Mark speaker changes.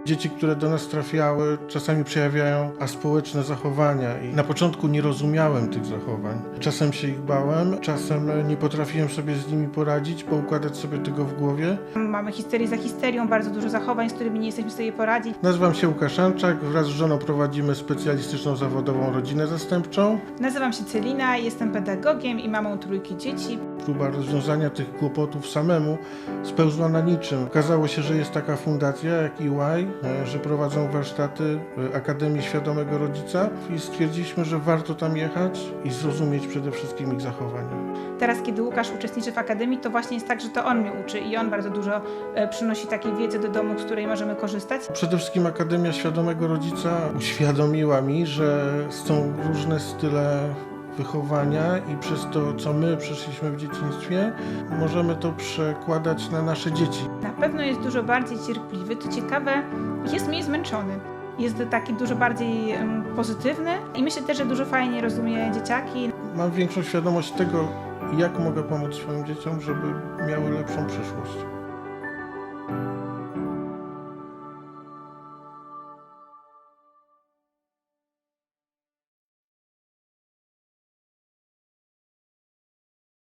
Speaker 1: Dzieci, które do nas trafiały, czasami przejawiają aspołeczne zachowania i na początku nie rozumiałem tych zachowań. Czasem się ich bałem, czasem nie potrafiłem sobie z nimi poradzić, poukładać sobie tego w głowie.
Speaker 2: Mamy histerię za histerią, bardzo dużo zachowań, z którymi nie jesteśmy w stanie poradzić.
Speaker 1: Nazywam się Łukasz Anczak, wraz z żoną prowadzimy specjalistyczną zawodową rodzinę zastępczą.
Speaker 2: Nazywam się Celina, jestem pedagogiem i mamą trójki dzieci.
Speaker 1: Próba rozwiązania tych kłopotów samemu spełzła na niczym. Okazało się, że jest taka fundacja jak EY, że prowadzą warsztaty Akademii Świadomego Rodzica i stwierdziliśmy, że warto tam jechać i zrozumieć przede wszystkim ich zachowania.
Speaker 2: Teraz, kiedy Łukasz uczestniczy w Akademii, to właśnie jest tak, że to on mnie uczy i on bardzo dużo przynosi takiej wiedzy do domu, z której możemy korzystać.
Speaker 1: Przede wszystkim Akademia Świadomego Rodzica uświadomiła mi, że są różne style wychowania i przez to, co my przeszliśmy w dzieciństwie, możemy to przekładać na nasze dzieci.
Speaker 2: Na pewno jest dużo bardziej cierpliwy, co ciekawe, jest mniej zmęczony. Jest taki dużo bardziej pozytywny i myślę też, że dużo fajniej rozumie dzieciaki.
Speaker 1: Mam większą świadomość tego, jak mogę pomóc swoim dzieciom, żeby miały lepszą przyszłość.